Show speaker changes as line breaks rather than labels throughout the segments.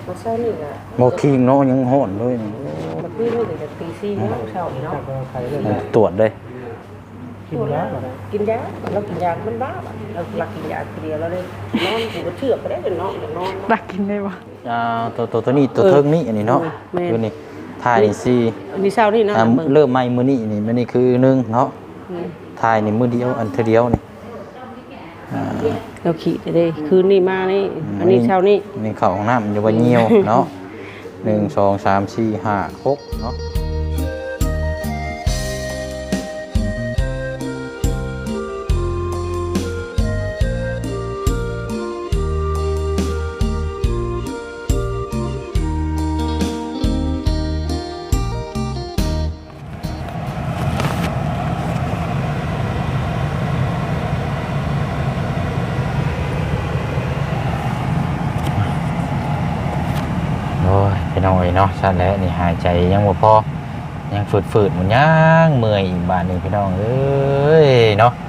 มาเช้านี่แหละ
บ่คิงเนาะยังฮ้อนด้วย
เมื่อคืนนี่จะตี4โมงเช้าเนาะ
ตรวจเลย
กินยาเรากินยามันบ้าเราหลักกินยาทีเดียวแล้วเลยนอนกูก็เชื่อไปได้จนนอน
หลักกินได้บ่
ตัวนี้ตัวเทิงนี่อันนี้เนาะคือนี่ถ่ายนี่สิ
มีเช้านี่นะ
เริ่มใหม่มื้อนี้นี่มื้อนี้คือ1เนาะถ่ายนี่มื้อเดียวอันเดียวนี่
เราขี่ได้คืนนี้มานี่อันนี้เช้านี้
นี่เข้าห้องน้ำอยู่ว่าเหี่ยวเนาะ1 2 3 4 5 6เนาะพี่น้องเนาะสั้นแล้วนี่หายใจยังบ่พอยังฝืดๆมันยังเมื่อยอีกบาดนึงพี่น้องเอ้ยเนาะ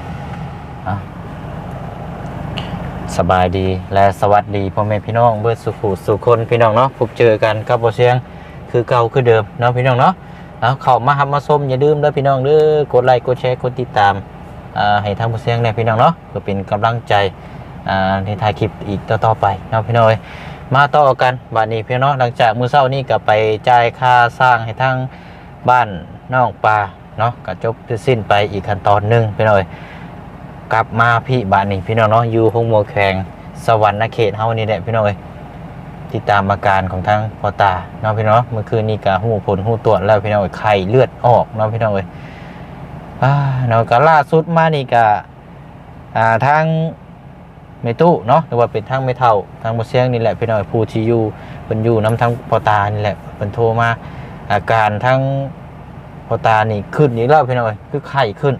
สบายดีและสวัสดีพ่อแม่พี่น้องเบิดสุขสุคนพี่น้องเนาะพบเจอกันกับบ่เสียงคือเก่าคือเดิมเนาะพี่น้องเนาะเข้ามาหับมาชมอย่าลืมเด้อพี่น้องเด้อกดไลค์กดแชร์กดติดตามให้ทางบ่เสียงได้พี่น้องเนาะเพื่อเป็นกำลังใจในถ่ายคลิปอีกต่อไปเนาะพี่น้องมาต่อกันบัดนี้พี่น้องหลังจากมื้อเช้านี้ก็ไปจ่ายค่าสร้างให้ทางบ้านน้องปลาเนาะก็จบสิ้นไปอีกขั้นตอนนึงพี่น้องกลับมาพี่บ้านนี้พี่น้องเนาะอยู่ห้องโมแขงสวรรค์เขตเฮานี่แหละพี่น้องติดตามอาการของทางพ่อตาเนาะพี่น้องเมื่อคืนนี้ก็หู้ผลหู้ตรวจแล้วพี่น้องไข้เลือดออกเนาะพี่น้องเนาะก็ล่าสุดมานี่ก็ทางเมตู้เนาะหรือว่าเป็นทางเมเท่าทางบ่เสียงนี่แหละพี่น้องผู้ที่อยู่เพิ่นอยู่นํทางพ่อตานี่แหละเพิ่นโทรมาอาการทางพ่อตานี่ขึ้นอีกแล้วพี่น้องคือไข้ขึ้น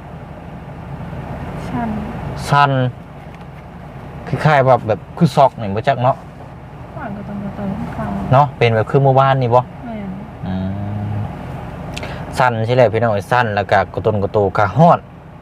สั่นคือไข้แบบคือซอกนี่บ่จักเนาะเนาะเป็นแบบคือเมื่อวานนี่บ่สั่นใช่แหละพี่น้องสั่นแล้วก็กระตุนกระโตกะฮ้อน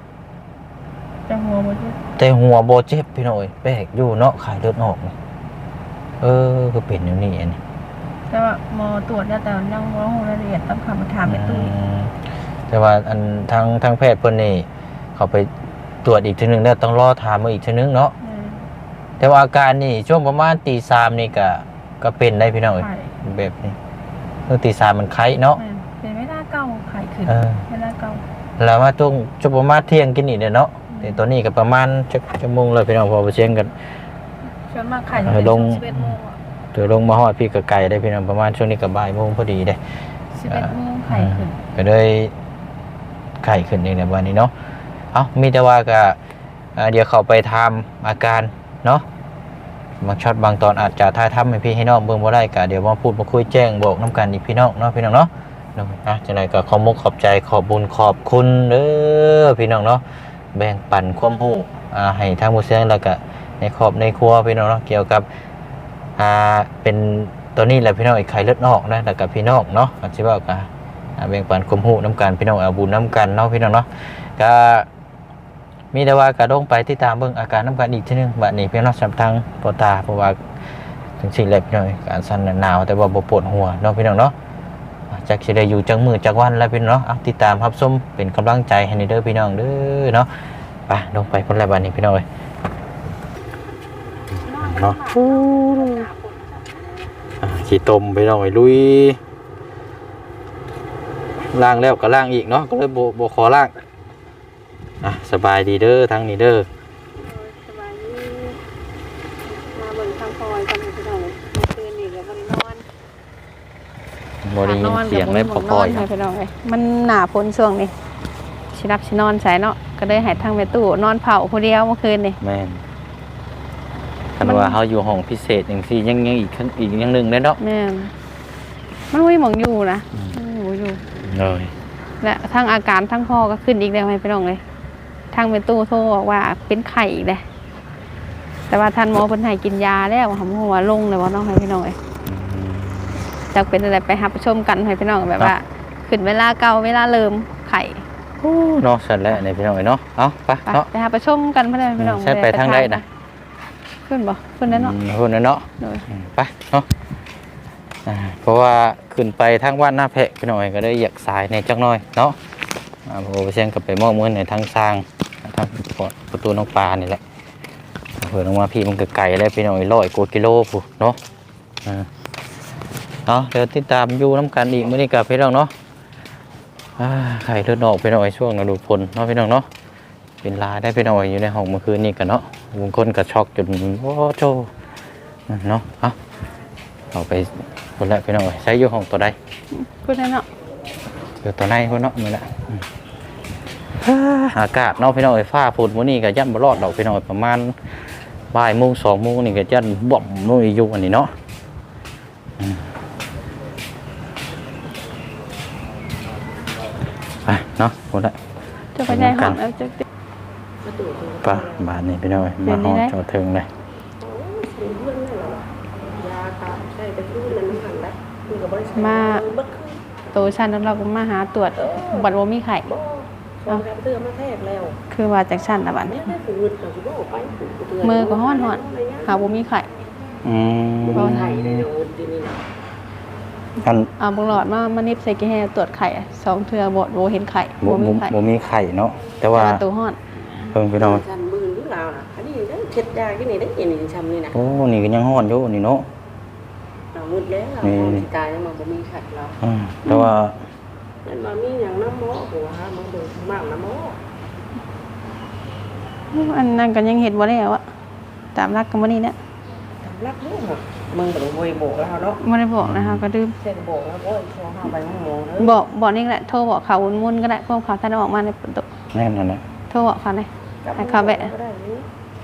แต่หัวโบเจ็บพี่น้อยแปลกอยู่เนาะไข้เลือดออกก็เป็นอย่างนี้อันนี้
แต่ว่าหมอตรวจแล้วแต่ยังบ่รู้รายละเอียดต้องเข้ามาถามแม่ตุ้ย
แต่ว่าอันทางแพทย์เพิ่นนี่เขาไปตรวจอีกทีนึงแล้วต้องรอถามมาอีกทีนึงเนาะแต่ว่าอาการนี่ช่วงประมาณตี 3นี่ก็เป็นได้พี่น้อยแบบนี้ตี 3มันไข้เนาะ
เป็นไม่ได้เก่าไข้ขึ้นไม่ได้เก่า
แล้วมาช่วงประมาณเที่ยงกินอีกเนาะแต่ตอนนี้ก็ประมาณชั่วโมงเลยพี่น้องพอไปเชียงกัน
ส่วนมากไข่จะ
ลง
11 โมง
เดี๋ยวลงมาฮอดพี่กับไก่ได้พี่น้องประมาณช่วงนี้กับบ่ายโมงพอดีได้
11 โมงไข่ขึ้น
ก็เลยไข่ขึ้นเองในวันนี้เนาะมีแต่ว่าก็เดี๋ยวเขาไปทำอาการเนาะบางช็อตบางตอนอาจจะถ่ายทำให้พี่ให้น้องเบิ่งบ่ได้ก็เดี๋ยวมาพูดมาคุยแจ้งบอกน้ำกันอีกพี่น้องเนาะพี่น้องเนาะจังได๋ก็ขอบใจขอบบุญขอบคุณเด้อพี่น้องเนาะแบ่งปันความรู้ให้ทางผู้เสียงแล้วก็ในครอบในครัวพี่น้องเนาะเกี่ยวกับเป็นตัวนี้แหละพี่น้องไข้เลือดออกนะแล้วก็พี่น้องเนาะอาจสิว่าก็แบ่งปันความรู้น้ำกันพี่น้องเอาบุญน้ำกันเนาะพี่น้องเนาะก็มีแต่ว่าก็ต้องไปติดตามเบิ่งอาการน้ำกันอีกทีนึงบัดนี้พี่น้องสำทางปอตาเพราะว่าถึงสิ่งแรกพี่น้องการสั่นหนาวแต่ว่าบ่ปวดหัวเนาะพี่น้องเนาะจักสิได้อยู่จังมื้อจักวันแล้วพี่น้องเนาะติดตามรับชมเป็นกำลังใจให้เด้อพี่น้องเด้อเนาะไปลงไปพุ่นแล้วบัดนี้พี่น้องเอ้ยเนาะขี้ต้มพี่น้องเอ้ยลุยล้างแล้วก็ล้างอีกเนาะก็เลยบ่ขอล้างสบายดีเด้อทั้งนี้เด้อ
สบายดีมาเบิ่งทางพลอยกันพี่น้องเมื่อคืนนี่ก็บ่ได้นอน
บ่ได้ยินเสียงเลยพอๆ
พี่น้องเอ้ยมันหน้าฝนช่วงนี้สิรับสินอนใส่เนาะก็เลยให้ทางแม่ตู้นอนเผาผู้เดียวเมื่อคืนนี่
แม่นคันว่าเฮาอยู่ห้องพิเศษจังซี่ยังอีกอย่างนึงเด้เนาะ
แม่นมันบ่มีหม่องอยู่นะอยู่
เลย
และทางอาการทั้งพ่อก็ขึ้นอีกแล้วให้พี่น้องเลยทางเป็นตู้โทรบอกว่าเป็นไข้อีกเลยแต่ว่าท่านหมอเพิ่นให้กินยาแล้วหำหัวลงเลยว่าน้องให้พี่น้องเลยจากเป็นอะไรไปหาไปชมกันให้พี่น้องแบบว่าขึ้นเวลาเก่าเวลาเริ่มไข้
เนาะสั่นแล้วในพี่น้องเนาะเอาไปเนาะ
ไปหาไปชมกันเพื่อนพี่น้อง
ใช่ไปทางใดนะ
ขึ้นบ่ขึ้นแล้วเนาะ
ขึ้นแล้วเนาะไปเนาะเพราะว่าขึ้นไปทางว่านหน้าแพะพี่น้อยก็ได้อยากสายในจักหน่อยเนาะโอ้เชียงกับไปมอบเงินในทางสร้างทางประตูน้องปลานี่แหละเผื่อลงมาพี่มันก็ไกลแล้วพี่น้อย100 กว่ากิโลผู้เนาะเดี๋ยวติดตามอยู่น้ำกันอีกมื้อนี้กับพี่น้องเนาะไข่เลือดออกพี่น้อยช่วงฤดูฝนเนาะพี่น้องเนาะเป็นลาได้พี่น้อยอยู่ในห้องเมื่อคืนนี้กันเนาะบางคนก็ช็อกจนโอ้โจเนาะเอาไปคนละพี่น้อยใช้อยู่ห้องตัวใด
พูดได้เนาะ
อยู่ตัวในคนเนาะนี่แหละอากาศเนาะพี่น้อยฟ้าฝนมื้อนี้ก็ยันบ่รอดดอกพี่น้อยประมาณบ่ายโมง2 โมงนี่ก็ยันบ่มนู่นอยู่อันนี้เนาะไปเนาะคนละ
จะไปได้ห้องแล้วจะ
ไปบ้านนี้พี่น้อยมาห้องจอดถึงเลย
มาโตชันแล้วเราก็มาหาตรวจบัตรว่ามีไข่
เตือมาแทกแล้ว
คือว่าจากชันละบัด
เนี่ยได้ฝืนเราจะบอกไป
มือก็ห้อนหาบ่มีไข่
เราไทยในเดี๋ยวทีนี้นะ
อัน
บุงหลอดมานิบใส่กี่แห่ตรวจไข่2 เทื่อบ่เห็นไข่บ่มีไข่
บ่มีไข่เนาะแต่ว่า
ตัวห้อน
เพิ่งพี่น้อย
ฉันมือหรือเปล่านะอันนี้ได้เช็ดยาที่นี่ได้ยินชำนี่นะ
โอ้นี่ก็ยังฮ้อนอยู่นี่เนาะ
เรามืดแล้วเราตายแล้วมันบ่มีไข่เรา
แต่ว่า
นั่นมามีอย่างน้ำหม้อหัวมันเดินมากน้ำหม้อ
อันนั้นก็ยังเห็นบ่แล้วอะตามรักกันบ่นี่เนี่ย
ทำรักลูกมึงบ่ได้โวยโบกแล้วเนาะ
บ่ได้บอกนะคะก็ดื่ม
เส้นโบกแล้วโอ้ยโทรหาไปมึงงงเด้อ
บอกนี่แหละโทรบอกเขาวุ่นๆก็ได้พวกเขาท่านออกมาในประตู
แน่นอนนะ
โทรบอกเขาเลยให้เขาแบะ
ก็ได้นี่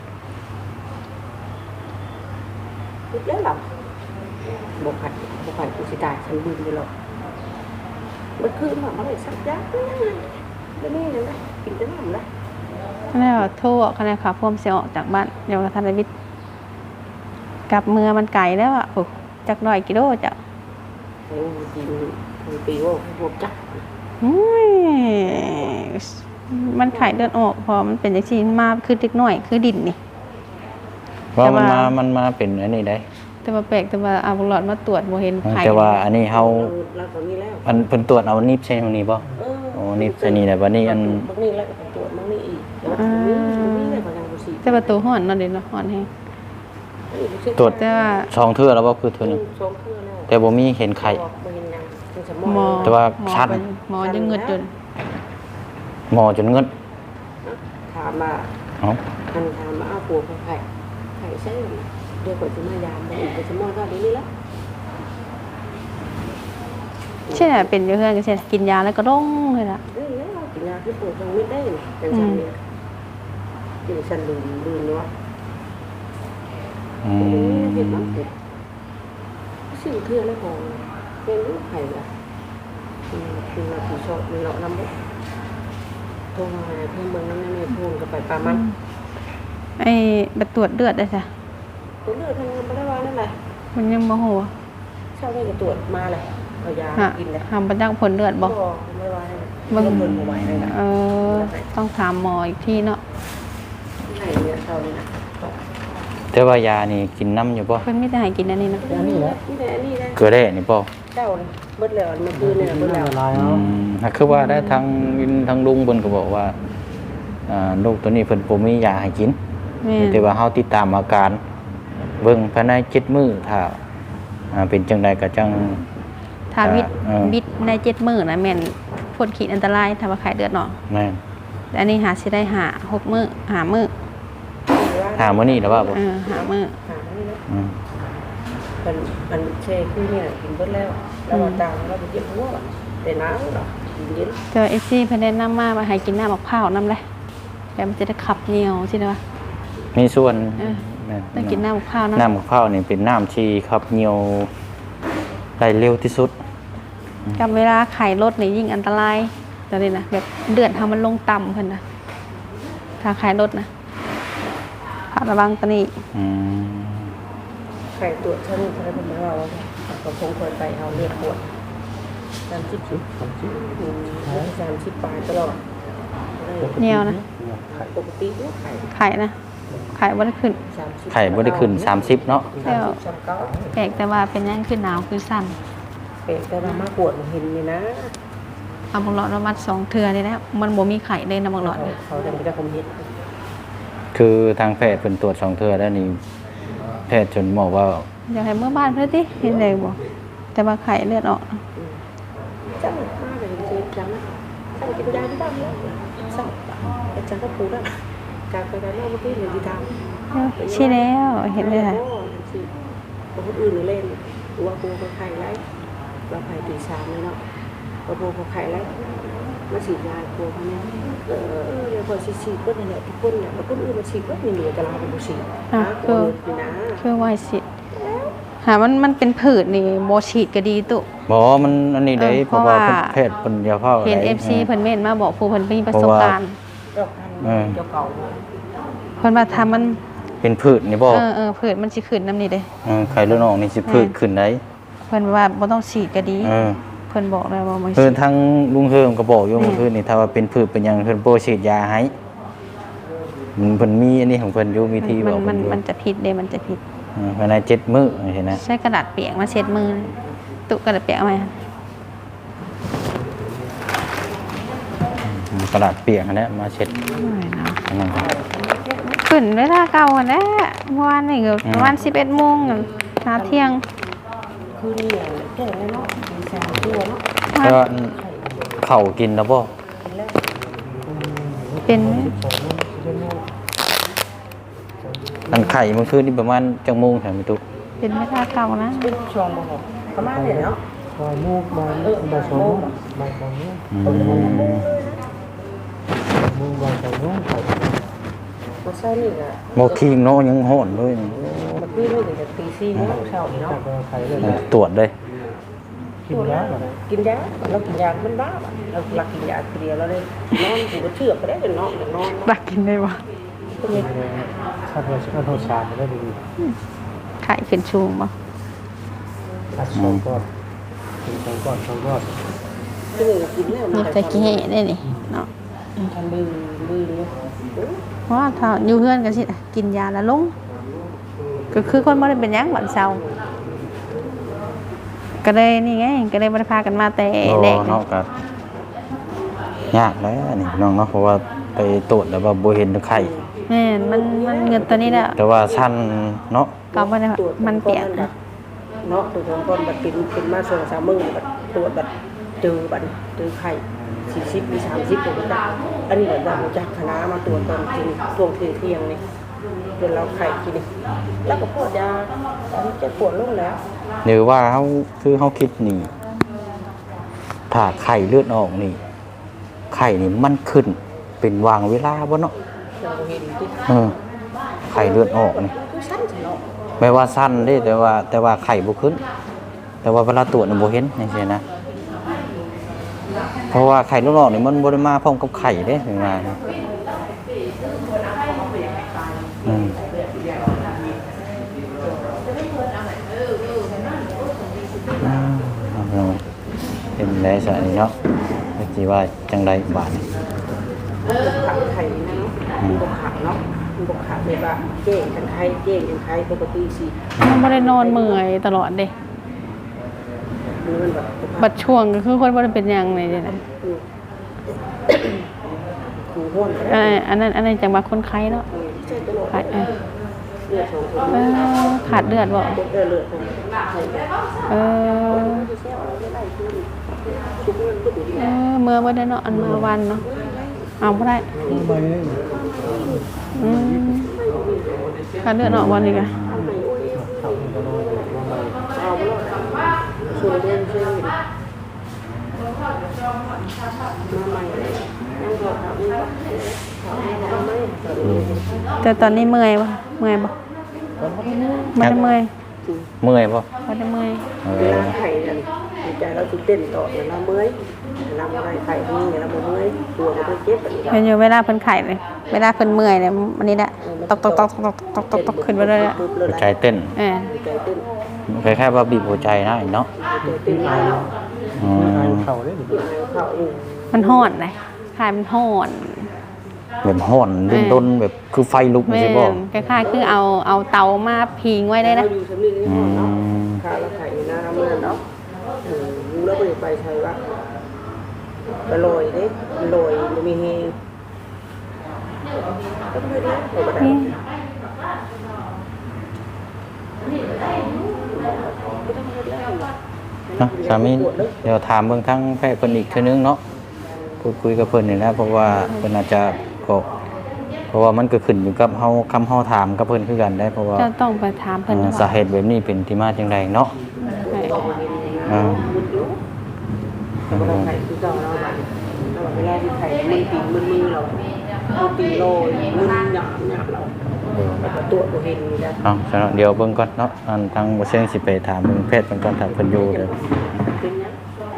คิดแล้วหรอบ่ขัดกูสิตายฉันบึ้งไปหรอกมันคือมันได้สักยักษ์แล้วนี่นะกินแต่น้ำนะ
แล้วโทรบอกเขาเลยค่ะพวกเสียออกจากบ้านเดี๋ยวกับท่านวิทย์กลับเมืองมันไกลแล้วอ่ะจาก100 กิโลจ้ะ
โอ้กินปีว่าพวกจัก
มันไข่เลือดออกพอมันเป็นอย่างที่มาคือเล็กน้อยคือดินนี่
ว่ามันมาเป็นอันนี้ได้
แต่ว่าแปลกแต่ว่าเอาบุหลอดมาตรวจบ่เห็นไข่
แต่ว่าอันนี้เฮา
เราตอนนี้แล้ว
อันเพิ่นตรวจเอานิบใช่ตรงนี้บ่โอ้นิบใช่นี่แหละบัดนี้อัน
บางนี่แล้วตรวจบางนี่อีกนี่เลยบางอย่างบ่สิ
แต่ประตูห้อนนั่นเด้เนาะห้อนแฮง
ตรวจ
แต่ว่า
2 เทื่อแล้วบ่คือเทื่อนึง
สองเทื่อแล้ว
แต่บ่มีเห็นไข่
บ่เห็นหยังเป็นสม
หมอ
อง
แต่ว่าชัน
หมอยังเงิดจน
หมอจนเงิน
ถามมา
เอ้า
อันถามมาเอาปัวของไข่ใช่เดี๋ยวก่อนจะมายามบ่อีกเป็นสมองก็นี้แล้ว
ใช่น่ะเป็นอยู่เฮือนก็ใช่กินยาแล้วก็ร้องเลยล่ะ
เอ้ยแล้วกินยาที่ปวดตรงนี้ได้จังซั่นเนี่ยกินฉันลืมเนาะ เห็นมั้งสิ่งเทื่อแล้วของเป็นลูกไข่ละคือเราผีชอบมันเลาะน้ำบุกโทรมาเพื่อนเมืองนั้นในพูนกับไปปลามัน
ไอ้บัตรตรวจเลือดได้จ้ะ
ตัวเลือดทางไม่ได้ว่านั่นแหละ
มันยังบ่ฮู้
เช้าได้ก็ตรวจมาเลยเอายากินเลย
หาบ่จักผลเลือดบ่
ไม่ว่านั่นเพิ่นบ่ไหวเลยนะ
ต้องถามหมออีกทีเนาะ
ไข่เนี่ยเช้านี่นะ
แต่ว่ายานี่กินน้ำอยู่บ่
เพิ่นมีแต่ให้กินอันนี้นะ
นี่แหละนี่แหละ
เกลือแร่นี่บ่
เจ้าเบิดแล้วมันคือเนี่ยเบิดแล้ว
คือว่าได้ทางลุงเพิ่นก็บอกว่าลูกตัวนี้เพิ่นบ่มียาให้กิน
แม่
แต่ว่าเฮาติดตามอาการเบิ่งภายใน7 มื้อถ้าเป็นจังใดก็จัง
ถ้าวิตใน7 มื้อนะแม่นพ้นขีดอันตรายถ้าว่าไข้เลือดออก
แม่น
แต่อันนี้หาสิได้6 มื้อ5 มื้อ
หามื้อนี้แล้วว่าบ่
5 มื้อ
หานี่นะมันเช่คือเนี่ยกินเบิดแล้วแล้วต่างเราไปเก็บหัวแต่น้ำหรอกินเย็น
เจอเอซี่เพิ่นแนะนำมาว่าให้กินน้ำมะพร้าวนำเลยแต่มันจะได้ขับเหนียวใช่ไหม
มีส่วน
ต้องกินน้ำมะพร้าวนะ
น้ำมะพร้าวนี่เป็นน้ำที่ขับเหนียวได้เร็วที่สุด
กับเวลาไข่ลดนี่ยิ่งอันตรายตอนนี้นะแบบเดือดทำมันลงต่ำเพิ่นนะถ้าไข่ลดนะผัดระวังตอนนี้
ไข่ตัวฉันฉันเป็นของเราเราคงเคยไปเอาเรียกปวด30 ปลายตลอด
เหนียวนะ
ปกติไข่
ไข่นะไข่บ่ได้ขึ้น
ไข่บ่ได้ขึ้น30เนาะ
แล้ว
39
แปลกแต่ว่าเป็นหยังขึ้นหนาวคือสั่น
เป็นแต่ว่ามากวดเห็นนี่นะ
เอาบังหลอดมามัด2เทื่อนี่แหละมันบ่มีไข่เลยนะบังหลอดนี่
เขาจะมีแต่ความเห็น
คือทางแพทย์เพิ่นตรวจ2เทื่อแล้วนี่แพทย์จนบอกว่า
อยากให้เมื่อบ้านเพิ่นติเห็นได้บ่แต่ว่าไข่เลือดออก
จังมากเลยจริงจังนะจังกินยาที่บ้านแล้วสั่งแต่จังก็ปูได้การไปได้นอกเมื่อกี้เหมือนที่ทำ
ใช่แล้วเห็นเลยค่ะ
คนอื่นเล่นว่าปูเขาไข่ไรเราไข่ตีสามเลยเนาะว่าปูเขาไข่ไรมาฉีดยาปูเขาเนี่ยเดี๋ยวพอฉีดก็เนี่ยแหละทุกคนเนี่ยแล้วคนอื่นมาฉีดก็มีเหลือแต่เราเป็นผู้ฉีดนะคือนะ
คือไวสิหามันเป็นผืดนี่บ่ฉีดก็ดีตุ
บ่มันอันนี้ได้เพราะว่าแพทย์เพิ่นยาเฝ้า
เห็น FC เพิ่นเม่นมาบอกผู้เพิ่นมีประสบการณ์
เจ้าเก่า
เพิ่นว่าถ้ามัน
เป็นพืชนี่บ่
ผืดมันสิขึ้นนำนี่เด้
ไข่เลือดออกนี่สิพืชขึ้นได้
เพิ่นว่าบ่ต้องฉีดก็ดี เพิ่นบอกแล้วว่าบ่
คือ
ฉีด
ทั้งลุงเฮิมก็บอกอยู่เมื่อคืนนี่ถ้าว่าเป็นพืชเป็นหยังเพิ่นบ่ฉีดยาให้มันเพิ่นมีอันนี้ของเพิ่นอยู่วิธีบอก
มันจะผิดเด้มันจะผิด
ภายใน7มื้อเห็นนะ
ใช้กระดาษเปียกมาเช็ดมือตุกระดาษเปียกเอาไหม
กระดาษเปียกอันนี้มาเช็ด
ไม่เนาะ
อันนั้นครับ
ขึ้นเวลาเก่าอันนั้นเมื่อวานนี่ก็ประมาณ11 โมงหาเที่ยง
คือนี่แก่แล้วเนาะแสบตัวเนาะ
แล้วก็ข้าวกินแล้วบ่
เป็นไหม
อันไข่เมื่อคืนนี่ประมาณจังโมงแถมมีตุก
เป็นเวลาเก่านะ
เป็นชองบ่ประมาณนี้เนาะ
มูกบางบางสองบางมูกบางสองมูก
มาเช้านี่อ่ะ
บ่คิงเนาะยังฮ้อนเลย
มาคือนี่ถึงตี4โมงเช้านี่เนาะ
ไข่เลย
ตรวจเลย
กินแล้ว
กินยาเรากินยามันบ้าเราหลักกินยาเดียวเราเลยนอนอยู่ก็เชือกไปได้จนนอนนอน
บักกินได้บ่
ก็มี
ถ้าเราโทรชาได้ดี
ไข่ขึ้นชูงบ่
อัดสองก้อนกินสองก้อนสองก้อน
คือกินแล้ว
นี่จะกินให้ได้นี่เนาะ
ทำบือเนี่ย
เพราะว่าถ้าอยู่เฮือนก็สิกินยาแล้วลงก็คือคนบ่ได้เป็นหยังบัดเช้าก็เลยนี่ไงก็เลยบ่ได้พากันมาแต่แรก
เนาะก็ยากแล้วนี่น้องเนาะเพราะว่าไปตรวจแล้วว่าบ่เห็นไข่
แม่นมันเงินตัวนี้แหละ
แต่ว่าชั้นเนาะ
ก็บ่ได้มันเปียก
เนาะตัวก่อนบัดเป็นมาส่ง3 มื้อบัดตรวจบัดเจอบัดเจอไข่40มี30ตัวได้อันนี้แบบว่าจากคณะมาตรวจตอนกินช่วงเที่ยงนี่จนเราไข่กินนี่แล้วก็พวดยาตอนนี้จะปวดลงแล้ว
หรือว่าเขาคือเขาคิดนี่ถ้าไข่เลือดออกนี่ ไข่นี่มันขึ้น เป็นวางเวลาบ่เนาะ
เราเห็นที่
ไข่เลือดออกนี่
คือสั้นใช่เนาะ
ไม่ว่าสั้นเด้แต่ว่าไข่บ่ขึ้น แต่ว่าเวลาตรวจนี่บ่เห็นจังซี่นะเพราะว่าไข่เลือดออกนี่มันบ่ได้มาพร้อมกับไข่เด้ถึงว่าเป็นได้ซะนี่เนาะสิว่าจังไดบาดนี่
ขาไข่นะเนาะมันบกขาเนาะมันบกขาเลยว่าเจ๊งกันไทยเจ๊งกันไทยปกติสิ
มันบ่ได้นอนเมื่อยตลอดเด้
มันแบบ
บัดช่วงก็คือคนบ่ได้เป็นหยังเลยเด้นะ
คือห้วน
อันนั้นจังว่าคนไข้เนาะ
ใช่ตลอด
ขาด
เลือด2 คน
ขาดเลือดบ่
เลือดของไข่
เมื่อบ่ได้เนาะอันมาวันเนาะเอาบ่ได้
ไปเลย
ขาดเลือดออกวันนี้ก็
เอาไปนอนมาใหม่
เอาไปเลยส่วนเดินเชื่อมมาใหม่ยังบอกเขาไม่ว่าเขาไม่
แต่ตอนนี้เมื่อยบ่เมื่อยบ่บ่ได้เมื่อย
เมื่อยบ่
บ่ได้เมื่อย
เวลาไข่เนี่ยใจเราตื่นเต้นต่อเวลาเมื่อยเวลาอะไรไข่นี่เวลาเมื่อยตัวมันก็เจ็บแบบนี้
เป็นอยู่เวลาเพิ่นไข้เลยเวลาเพิ่นเมื่อยเนี่ยอันนี้แหละตกขึ้นไปเลยอะ
หัวใจเต้น
ใจเต้น
คล้ายๆว่าบีบหัวใจนะเนาะ
ใจเต้น
ไข่เข่าได้หรือ
เขาเอง
มันฮ้อนเลยไข้มันฮ้อน
แบบฮ้อนด้นๆแบบคือไฟลุก
แม่
ใช่บ่
นคล้ายๆคือเอาเตามาพิงไว้ได้นะ
เราอยู่สำนีนี่
อื
เนาะ
ม
ค่าเราไข่หน้าเมื่อเนาะรู้แล้วไปใช้ว่าไปลอยเด้ลอยมันมีเฮก็ไม่ได้ก็ไม่ได้
นี่
เนาะสามีเดี๋ยวถามเบิ่งทั้งแพทย์เพิ่นอีกเทื่อนึงเนาะพูดคุยกับเพิ่นนี่นะเพราะว่าเพิ่นอาจจะก็เพราะว่ามันก็ขึ้นอยู่กับเฮาคำเฮาถามกับเพิ่นคือกันได้เพราะว่า
จะต้องไปถามเพิ่น
สาเหตุแบบนี้เป็นที่มาจังไดเนาะอ่า
เราไข่คือเก่าเราแบบเราเวลาที่ไข่มันตีมือเราตีโลมือหยาบเราแล้วก็ตัวตัวเองนี่นะ
เอาซะเนาะเดี๋ยวเบิ่งก่อนเนาะอันทางบ่เชิงสิไปถามเบิ่งแพทย์เพิ่นก่อนถ้าเพิ่นอยู่เด้อ
เป็นยัง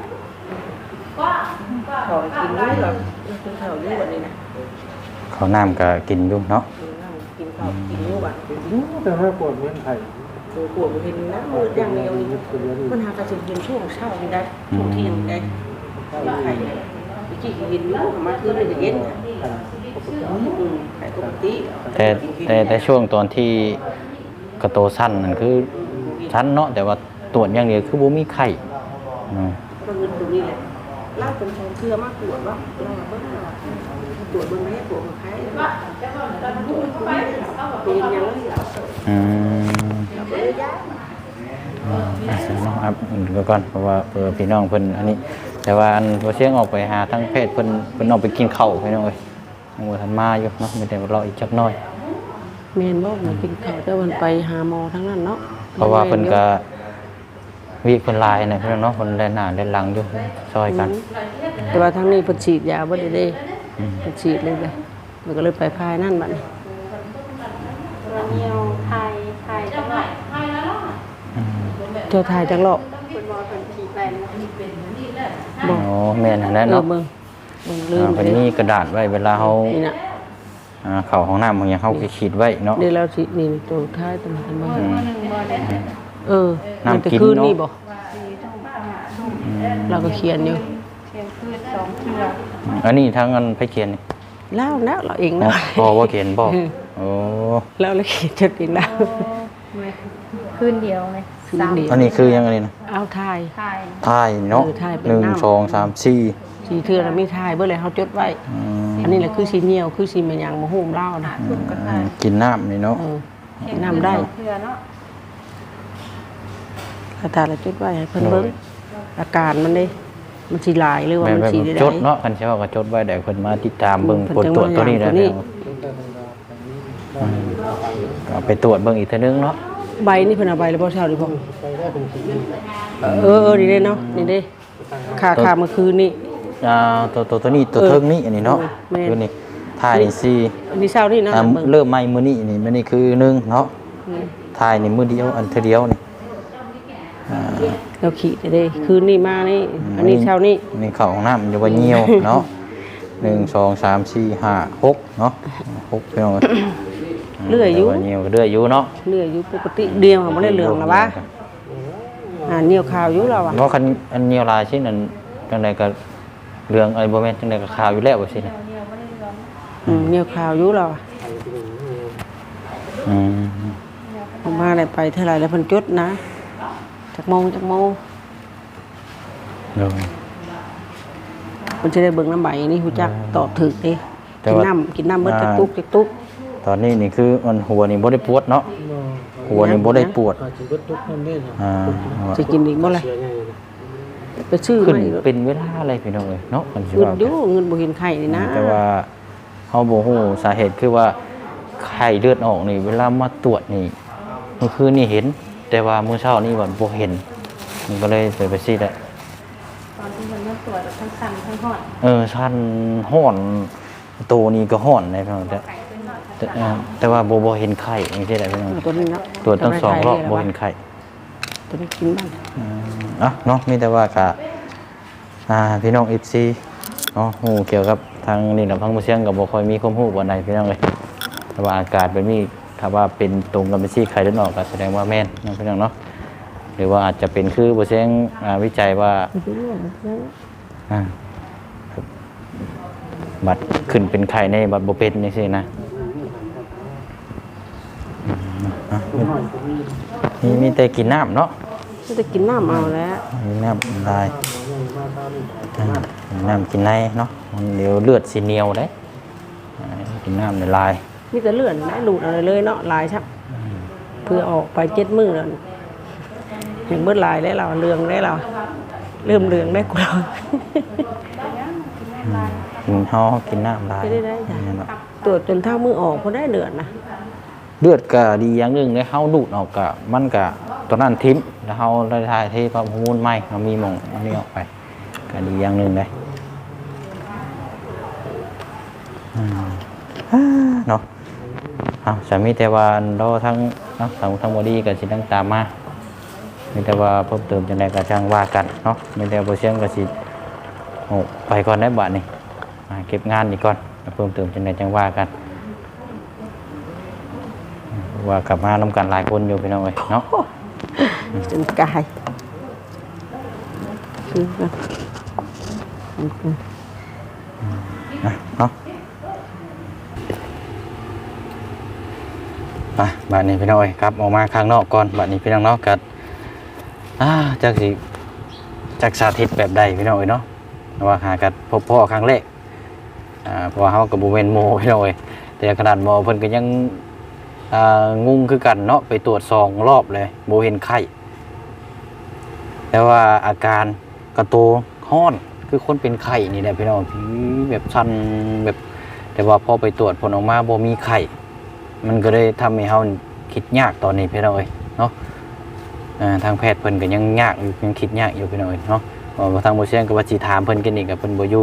ขอกินด้วยหรอกินข้าวด้วยวันนี้นะ
ข้าวน้ำก็กินอยู่เนาะ
กินข้าวกินด้วยวัน
แต่ถ้าปวดเวียนไข้
ตัวปวดมันเห็นนะมืออย่างเดียวนี่มันหากระสุนเห็นช่วงเช้านี่ได้ช่วงเที่ยงได้ไข่จีเย็นรู้มาคือมันจะเย็นไข่ปกติ
แต่ช่วงตอนที่กระโตสั้นนั่นคือชั้นเนาะแต่ว่าตรวจอย่างเดียวคือบ่มีไข้อืม
ก็เงินตรงนี้แหละเล่าเป็นชงเชื่อมากตรวจว่าเราเบิ่งตรวจเบิ่งให้ตรวจของใครเป็นยังไง
อืม
เลยยะ
ครับเดี๋ยวก่อนเพราะว่าพี่น้องเพิ่นอันนี้ แต่ว่าอันบ่เสียงออกไปหาทางเพศเพิ่นออกไปกินข้าวพี่น้องเอ้ยยังบ่ทันมาอยู่เนาะมีแต่รออีกจักหน่อย
เมนบอกมากินข้าวแต่วันไปหาหมอทั้งนั้นเนาะ
เพราะว่าเพิ่นก็วีเพิ่นหลายนะพี่น้องเนาะเพิ่นแล่นหน้าแล่นหลังอยู่ซอยกัน
แต่ว่าทั้งนี้เพิ่นฉีดยาบ่ได้เด้เพิ่นฉีดเลยเลยมันก็เลยไปพายนั่นบัดนี้
วันเดียวไทยจังหวัด
เจ้าทายจังหรอก
คุณหมอเพิ่นขี่ไปนะ
บอก
อ๋อแม่นอันนั้นเนาะ
เบิ่งลืม
เพิ่นมีกระดาษไว้เวลาเฮา
นี่น่ะ
เข้าห้องน้ำบางอย่างเฮาก็ขีดไว้เนาะ
เดี๋ยวเราสินี่ตัวท้ายตรงกันบ่
1บ่ได้
มันจะคืนนี่บ่เราก็เขียนอยู่
เชียงพืช2เทื่อ
อันนี้ทางอันไปเขียนนี่
แล้วนะเราเอง
อ๋อ
นะ
พอว่าเขียนบ่โอ้
แล้วเราเขียนจดเองแล้ว
คืนเดียวเลย
คืนเดียว
อันนี้คือยังไงนะ
เอาทาย
ไทย
ถ่ายเนาะ
ถ่ายเป็น
หนึ่ง
น้ำ
สองสามสี่
สีเทือเรามีทายเบิ่เลยเฮาจดไว้ อันนี้แหละคือสีเหนียวคือสีมันยังบ่ฮู้เล่านะ
กินน้ำนี่เนาะ
นำได้
เทื่อเนาะ
คาถาเราจดไว้ให้เพิ่นเบิ่งอาการมันเด้มันสิหลายหรือว่า
แบบ
มัน
แบบ
สิได้
จดเนาะคันใช่ว่าก็จดไว้ได้เพิ่นมาติดตามเบิ่ง
เพิ่
ผ
น
ล
จัง
ตรวจตัวนี้
ว่า
ได้
อย่างตัวนี้
ก็เอาไปตรวจเบิ่งอีกเทื่อนึงเนาะ
ใบนี่เพิ่นเอาใบแล้วบ่เช้าดิพ่อ
ไปได้เป็นสี
นี่เด้เนาะนี่เด้ค่าเมื่อคืนนี่
ตัวนี้ตัวเทิงนี่อันนี้เนาะ
แม่น
คือนี่ถ่ายนี่สี่
อันนี้เช้านี่นะเบิ่ง
เริ่มใหม่มื้อนี้นี่มื้อนี้คือหนึ่งเนาะถ่ายนี่มื้อเดียวอันเทื่อเดียวนี่
เราขีดเด้คืนนี่มานี่อันนี้เช้านี่
นี่เข้าห้องน้ำอยู่ว่าเหี่ยวเนาะ1 2 3 4 5 6เนาะ6พี่น้อง
เลื่อยอยู่
แต่ว่าเหี่ยวก็เลื่อยอยู่เนาะ
เลื่อยอยู่ปกติเดียวบ่ได้เหลืองแล้ววะเหนียวขาวอยู่แล้วว่ะ
เพราะคันอันเหี่ยวลายชิ้นนั้นจังไดก็เรื่องอะไรบ่แม่นจังไดก็ขาวอยู่แล้วว่าซี่นะ
เหนียวขาวอยู่แล้วว่ะ
อืม
ผมมาได้ไปเท่าไหร่แล้วเพิ่นจดนะจักโมง
เดี๋ยว
เพิ่นสิได้เบิ่งน้ำใบนี่ฮู้จักตอบถูกเด้
แต่
กิน
ว่า
น้ำเบิดจักตุก
ตอนนี้นี่คือมันหัวนี่บ่ได้ปวดเนาะหัวนี่บ่ได้ปวด
อาจจะเบิดทุกคนได้นะ
อ่า
สิกินอีกบ่ล่ะ
เสียไง
ไปซื้อ
ขึ้น
มาอีก
เป็นเวลาอะไรพี่น้องเอ้ยเนาะมันสิ
เงิน
ว่า
อยู่เงินบ่เห็นไข่นี่นะ
แต่ว่าเฮาบ่ฮู้สาเหตุคือว่าไข้เลือดออกนี่เวลามาตรวจนี่เมื่อคืนนี่เห็น แต่ว่ามื้อเช้านี่บ่เห็นมันก็เลยไปซี่แหละ
ตอนที่มันมาตรวจทั้งสั่นทั้งหอด
ชันฮ้อนตัวนี้ก็ฮ้อนนะพี่น้องแต่ว่าบ่เห็นไข้จังซี่แหละพี่น้อง
ตัวนี้เนาะ
ตรวจทั้งสองรอบบ่เห็นไข้
ตัวนี้กินบ้าง
เนาะมีแต่ว่ากะพี่น้อง FC เนาะฮู้เกี่ยวกับทางนี่ลำพังบ่เสียงก็บ่ค่อยมีความรู้ปานใดพี่น้องเอ้ยแต่ว่าอากาศแบบนี้ถ้าว่าเป็นตรงกับเป็นซี่ไข้เลือดออกก็แสดงว่าแม่นนะพี่น้องเนาะหรือว่าอาจจะเป็นคือบ่เสียงวิจัยว่าบัดขึ้นเป็นไข่ในบัดบ่เป็นจังซี่นะมีแต่กินน้ำเนาะ
จะกินน้ำเอาแล้ว
มีน้ำลายน้ำกินในเนาะมันเดี๋ยวเลือดสีเหนียวได้กินน้ำในลาย
มีแต่เลื่อนได้หลุดอะไรเลยเนาะลายชับเพื่อออกไป7 มื้อแล้วเห็นเบิดลายได้เราเรืองได้เราเริ่มเรืองได้กูเรา
กินห่อกินน้ำลาย
ได้จ้ะตรวจจนเท่ามือออกพอได้เดือนนะ
เลือดก็ดีอย่างหนึงเลยเฮาดูดออกก็มันก็ตอนนั้นทิ้มแล้วเฮาได้ทายที่ประมูลใหม่เฮามีหม่องอันนี้ออกไปก็ดีอย่างหนึงเลยเนาะสามีแต่ว่าเราทั้งเนาะทั้งบอดี้กับสิตั้งตามมามีแต่ว่าเพิ่มเติมจังไดก็ช่างว่ากันเนาะมีแต่บ่เสียงก็สิไปก่อนได้บัดนี้เก็บงานอีกก่อนเพิ่มเติมจังไดจังว่ากันว่ากลับมานำกันหลายคนอยู่พี่น้องเอ้ยเนาะ
จนกายคือกัน
เนาะบัดนี้พี่น้องเอ้ยครับออกมาข้างนอกก่อนบัดนี้พี่น้องเนาะกัดจากสาธิตแบบใดพี่น้องเอ้ยเนาะว่าหากันพบพ่อครั้งแรกเพราะว่าเฮากับบ่แม่นโมพี่น้องเอ้ยแต่ขนาดหมอเพิ่นก็ยังงุ่งคือกันเนาะไปตรวจ2 รอบเลยบ่เห็นไข้แต่ว่าอาการกระโตฮ้อนคือคนเป็นไข้นี่แหละพี่น้องแบบสั่นแบบแต่ว่าพอไปตรวจผลออกมาบ่มีไข้มันก็เลยทำให้เฮาคิดยากตอนนี้พี่น้องเอ้ยเนาะทางแพทย์เพิ่นก็ยังยากอยู่ยังคิดยากอยู่พี่น้องเอ้ยเนาะทางบ่เชียงก็ว่าสิถามเพิ่นกันอีกก็เพิ่นบ่อยู่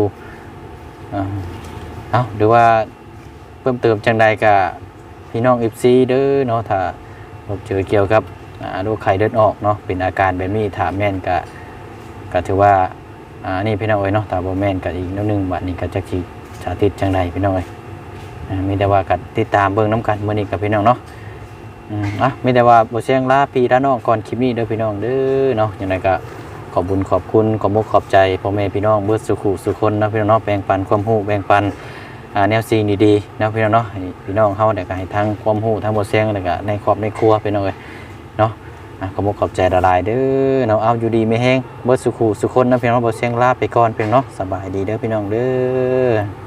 หรือว่าเพิ่มเติมจังใดก็พี่น้อง FC เด้อเนาะถ้าพบเจอเกี่ยวกับโรคไข้เลือดออกเนาะเป็นอาการแบบนี้ถ้าแม่นก็ถือว่านี่พี่น้องเอ้ยเนาะถ้าบ่แม่นก็อีกนิดนึงบัดนี้ก็จักสิสาธิตจังใดพี่น้องเอ้ยมีแต่ว่าก็ติดตามเบิ่งนํกันมื้อนี้กับพี่น้องเนาะมีแต่ว่าบ่เสียงลาพี่ลาน้องก่อนคลิปนี้เด้อพี่น้องเด้อเนาะจังไดก็ขอบคุญขอบคุณขอบมุกขอบใจพ่อแม่พี่น้องเบิดสุขุสุคนนะพี่น้องเนาะแบ่งปันความรู้แบ่งปันแนวสิ่งดีๆนะพี่น้องเนาะให้พี่น้องเฮาได้ก็ให้ทั้งความรู้ทั้งบ่เสียงแล้วก็ในครอบในครัวพี่น้องเอ้ยเนาะขอบมุกขอบใจหลายๆเด้อเนาะเอาอยู่ดีไม่แห้งเบิดสุขุสุคนนะพี่น้องบ่เสียงลาไปก่อนพี่น้องเนาะสบายดีเด้อพี่น้องเด้อ